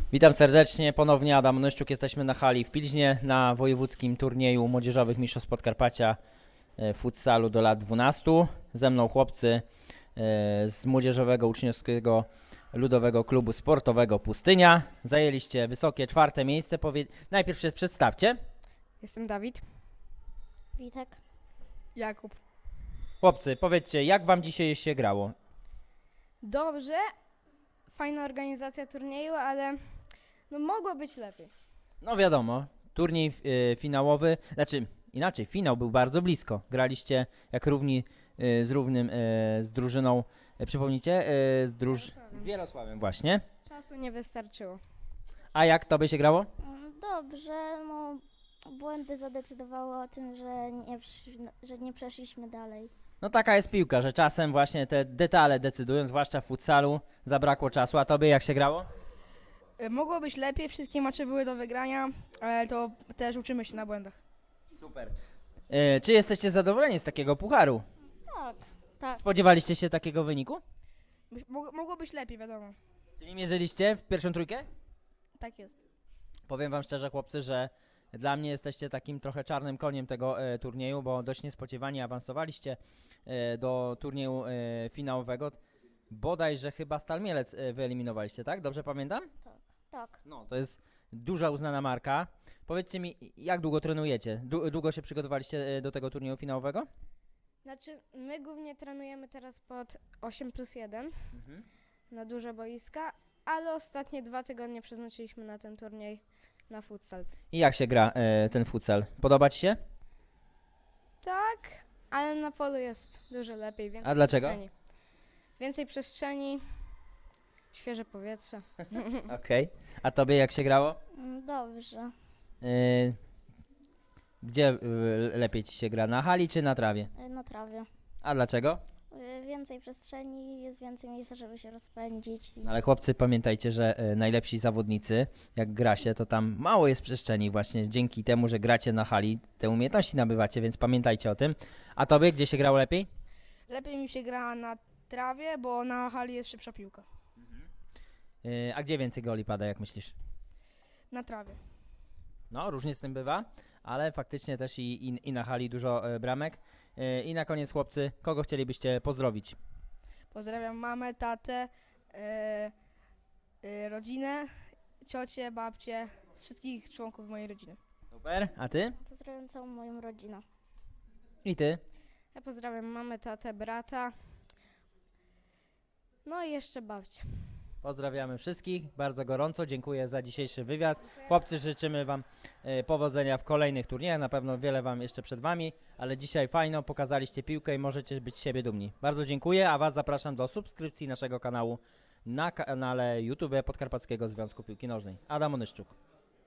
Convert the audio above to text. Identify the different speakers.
Speaker 1: Witam serdecznie, ponownie Adam Nyszczuk. Jesteśmy na hali w Pilźnie na wojewódzkim turnieju młodzieżowych mistrzostw Podkarpacia futsalu do lat 12. Ze mną chłopcy z młodzieżowego uczniowskiego ludowego klubu sportowego Pustynia. Zajęliście wysokie 4. miejsce. Najpierw się przedstawcie.
Speaker 2: Jestem Dawid.
Speaker 3: Witek.
Speaker 2: Jakub.
Speaker 1: Chłopcy, powiedzcie, jak wam dzisiaj się grało?
Speaker 2: Dobrze, fajna organizacja turnieju, ale no mogło być lepiej.
Speaker 1: No wiadomo, turniej finałowy, znaczy inaczej, finał był bardzo blisko. Graliście jak równi z równym, z drużyną, przypomnijcie, z Jarosławiem właśnie.
Speaker 2: Czasu nie wystarczyło.
Speaker 1: A jak tobie się grało?
Speaker 3: Dobrze, no błędy zadecydowały o tym, że nie przeszliśmy dalej.
Speaker 1: No taka jest piłka, że czasem właśnie te detale decydują, zwłaszcza w futsalu, zabrakło czasu. A tobie jak się grało?
Speaker 4: Mogło być lepiej, wszystkie mecze były do wygrania, ale to też uczymy się na błędach.
Speaker 1: Super. Czy jesteście zadowoleni z takiego pucharu?
Speaker 3: Tak.
Speaker 1: Spodziewaliście się takiego wyniku?
Speaker 4: Mogło być lepiej, wiadomo.
Speaker 1: Czyli mierzyliście w pierwszą trójkę?
Speaker 4: Tak jest.
Speaker 1: Powiem wam szczerze, chłopcy, że dla mnie jesteście takim trochę czarnym koniem tego turnieju, bo dość niespodziewanie awansowaliście do turnieju finałowego. Bodajże chyba Stal Mielec wyeliminowaliście, tak? Dobrze pamiętam?
Speaker 3: Tak.
Speaker 1: No, to jest duża uznana marka. Powiedzcie mi, jak długo trenujecie? Długo się przygotowaliście do tego turnieju finałowego?
Speaker 2: Znaczy, my głównie trenujemy teraz pod 8+1 na duże boiska, ale ostatnie 2 tygodnie przeznaczyliśmy na ten turniej na futsal.
Speaker 1: I jak się gra ten futsal? Podoba ci się?
Speaker 2: Tak, ale na polu jest dużo lepiej. Więcej
Speaker 1: A dlaczego?
Speaker 2: przestrzeni. Więcej przestrzeni, świeże powietrze.
Speaker 1: Okej. A tobie jak się grało?
Speaker 3: Dobrze.
Speaker 1: Gdzie lepiej ci się gra? Na hali czy na trawie?
Speaker 3: Na trawie.
Speaker 1: A dlaczego?
Speaker 3: Więcej przestrzeni, jest więcej miejsca, żeby się rozpędzić.
Speaker 1: No ale chłopcy, pamiętajcie, że najlepsi zawodnicy, jak gra się, to tam mało jest przestrzeni właśnie dzięki temu, że gracie na hali, te umiejętności nabywacie, więc pamiętajcie o tym. A tobie, gdzie się grało lepiej?
Speaker 4: Lepiej mi się gra na trawie, bo na hali jest szybsza piłka.
Speaker 1: A gdzie więcej goli pada, jak myślisz?
Speaker 4: Na trawie.
Speaker 1: No, różnie z tym bywa, ale faktycznie też i na hali dużo bramek. I na koniec, chłopcy, kogo chcielibyście pozdrowić?
Speaker 4: Pozdrawiam mamę, tatę, rodzinę, ciocię, babcię, wszystkich członków mojej rodziny.
Speaker 1: Super, a ty?
Speaker 3: Pozdrawiam całą moją rodzinę.
Speaker 1: I ty?
Speaker 2: Ja pozdrawiam mamę, tatę, brata, no i jeszcze babcię.
Speaker 1: Pozdrawiamy wszystkich bardzo gorąco, dziękuję za dzisiejszy wywiad. Chłopcy, życzymy wam powodzenia w kolejnych turniejach, na pewno wiele wam jeszcze przed wami, ale dzisiaj fajno, pokazaliście piłkę i możecie być z siebie dumni. Bardzo dziękuję, a was zapraszam do subskrypcji naszego kanału na kanale YouTube Podkarpackiego Związku Piłki Nożnej. Adam Onyszczuk.